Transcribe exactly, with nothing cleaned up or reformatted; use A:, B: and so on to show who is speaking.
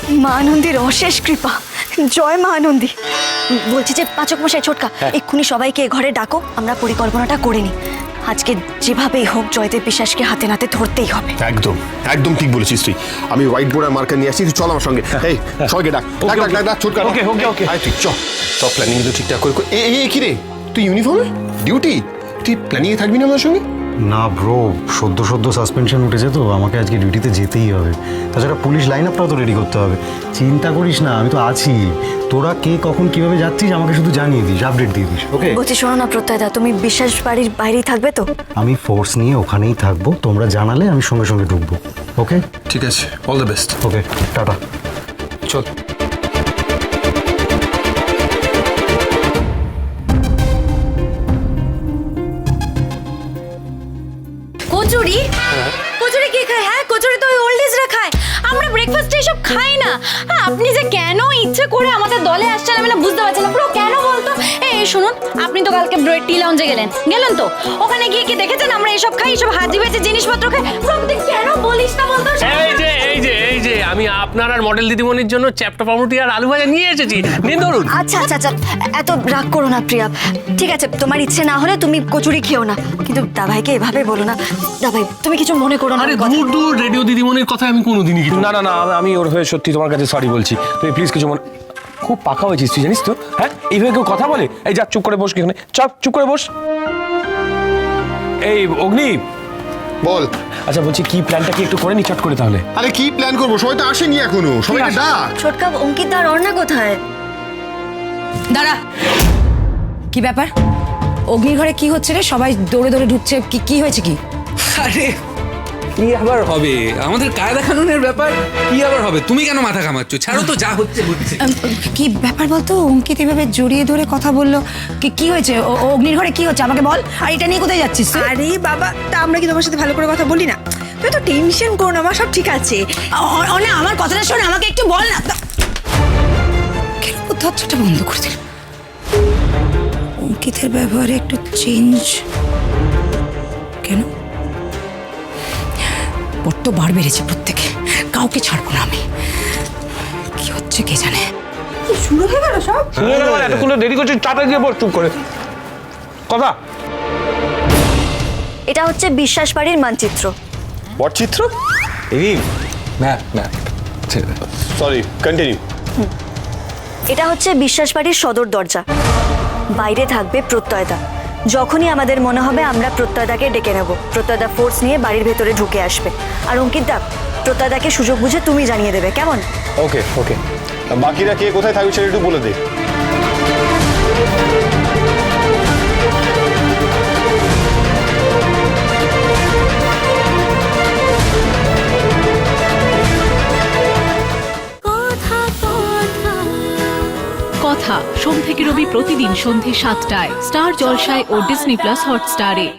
A: মা আনন্দীর অশেষ কৃপা, জয় মা আনন্দী। বলছি যে পাচক মশাই, ছোটকা, এক্ষুনি সবাইকে ঘরে ডাকো, আমরা পরিকল্পনাটা করে নিই। আজকে যেভাবেই হোক জয়দেব বিশ্বাসকে হাতে নাতে ধরতেই হবে।
B: একদম একদম ঠিক বলেছিস তুই। আমি হোয়াইট বোর্ড আর মার্কার নিয়ে আসছি, তুই চল আমার সঙ্গে। এই সবাইকে ডাক ডাক ডাক ডাক ডাক ছোটকা।
C: ওকে ওকে ওকে
B: আয় তুই চল, সব প্ল্যানিং কিন্তু ঠিকঠাক করে। এই এই কি রে, তুই ইউনিফর্মে ডিউটি, তুই প্ল্যানিংয়ে থাকবি না আমার সঙ্গে?
D: না ব্রো, সদ্য সদ্য সাসপেনশন উঠেছে তো, আমাকে আজকে ডিউটিতে যেতেই হবে। তাছাড়া পুলিশ লাইন আপটাও তো রেডি করতে হবে। চিন্তা করিস না, আমি তো আছি। তোরা কে কখন কিভাবে যাচ্ছিস আমাকে শুধু জানিয়ে দিস, আপডেট দিয়ে দিস, ওকে?
A: বলছি শোনো না প্রত্যয়দা, তুমি বিশ্বাস বাড়ির বাইরেই থাকবে তো?
D: আমি ফোর্স নিয়ে ওখানেই থাকবো, তোমরা জানালে আমি সঙ্গে সঙ্গে ঢুকবো, ওকে?
B: ঠিক আছে, অল দ্য বেস্ট।
D: ওকে, টাটা।
B: চল।
E: কচুরি? কচুরি কে খায়? হ্যাঁ, কচুরি তো ওই ওল্ড এজরা খায়। আমরা ব্রেকফাস্টে এসব খাই না। হ্যাঁ, আপনি যে কেন ইচ্ছে করে আমাদের দলে আসছেন আমি না বুঝতে পারছি না। পুরো কেন বলতো? এই শুনুন, আপনি তো কালকে ব্রেড টি লাউঞ্জে গেলেন, গেলেন তো? ওখানে গিয়ে কি দেখেছেন আমরা এসব খাই, এসব হাজি বেচে জিনিসপত্র খাই? প্রত্যেক কেন বলিস না বলতো?
C: এই যে এই যে এই যে আমি আপনার আর মডেল দিদিমণির জন্য চ্যাপ্টা পাউরুটি আর আলু ভাজা নিয়ে এসেছি, নিন ধরুন।
A: আচ্ছা আচ্ছা আচ্ছা, এত রাগ করো না প্রিয়া। ঠিক আছে, তোমার ইচ্ছে না হলে তুমি কচুরি খেও না, কিন্তু দাভাইকে এভাবে বলো না। দাভাই তুমি কিছু মনে করো না।
C: আরে দূর দূর রেডিও দিদিমণির কথা আমি কোনোদিনই কিছু
F: না না না, আমি ওর হয়ে সত্যি তোমার কাছে সরি বলছি। তুমি প্লিজ কিছু মনে, খুব পাকা হয়েছিস তুই, জানিস তো? হ্যাঁ, এইভাবে কেউ কথা বলে? এই যা, চুপ করে বস, এখানে চপ, চুপ করে বস। এই অগ্নি,
B: বল।
F: আচ্ছা বলছি, কি প্ল্যানটা কি একটু করে নি চট করে তাহলে?
B: আরে কি প্ল্যান করবো, সবাই তো আসেনি এখনো, সবাইকে ডাক।
A: ছোটকা, অঙ্কিত আর অর্ণা কোথায়?
E: দাঁড়া, কি ব্যাপার? অগ্নির ঘরে কি হচ্ছে রে? সবাই দৌড়ে দৌড়ে ঢুকছে, কি কি হয়েছে কি?
G: আরে কি আবার হবে, আমাদের কায়দা কানুনের ব্যাপার। কি আবার হবে, তুমি কেন মাথা ঘামাচ্ছ? ছাড়ো তো, যা হচ্ছে হচ্ছে।
E: কি ব্যাপার বলতো? অঙ্কিত এভাবে জড়িয়ে ধরে কথা বললো, কি কি হয়েছে? ও- ও অগ্নির ঘরে কি হচ্ছে আমাকে বল। আর এটা নিয়ে কোথায় যাচ্ছিস তুই?
H: আরে বাবা, তা আমরা কি তোমার সাথে ভালো করে কথা বলি না? তুই তো টেনশন করো না, আমার সব ঠিক আছে।
E: অ- অ- না, আমার কথাটা শোন, আমাকে একটু বল না। কেন দরজাটা বন্ধ করে দিল? অঙ্কিতের ব্যবহারে একটু চেঞ্জ কেন? বড্ড বার বেড়েছে প্রত্যেকে, কাউকে ছাড়বো না আমি। কি হচ্ছে কে জানে?
H: শুরু হয়ে গেল সব।
F: এতক্ষণ দেরি করছিস, চাটা দিয়ে বস চুপ করে। কথা
A: এটা হচ্ছে বিশ্বাস বাড়ির মানচিত্র।
B: পটচিত্র?
F: এই
G: ম্যাপ ম্যাপ
B: সরি, কন্টিনিউ।
A: এটা হচ্ছে বিশ্বাস বাড়ির সদর দরজা। বাইরে থাকবে প্রত্যয়দা। যখনই আমাদের মনে হবে আমরা প্রত্যয়দাকে ডেকে নেব, প্রত্যয়দা ফোর্স নিয়ে বাড়ির ভেতরে ঢুকে আসবে। আর অঙ্কিত দা, প্রত্যয়দাকে সুযোগ বুঝে তুমি জানিয়ে দেবে, কেমন?
B: ওকে ওকে। বাকিরা কে কোথায় থাকবে সেটা একটু বলে দে।
I: কথা সোম থেকে রবি প্রতিদিন সন্ধে সাতটায় স্টার জলসায় ও ডিজনি প্লাস হটস্টারে।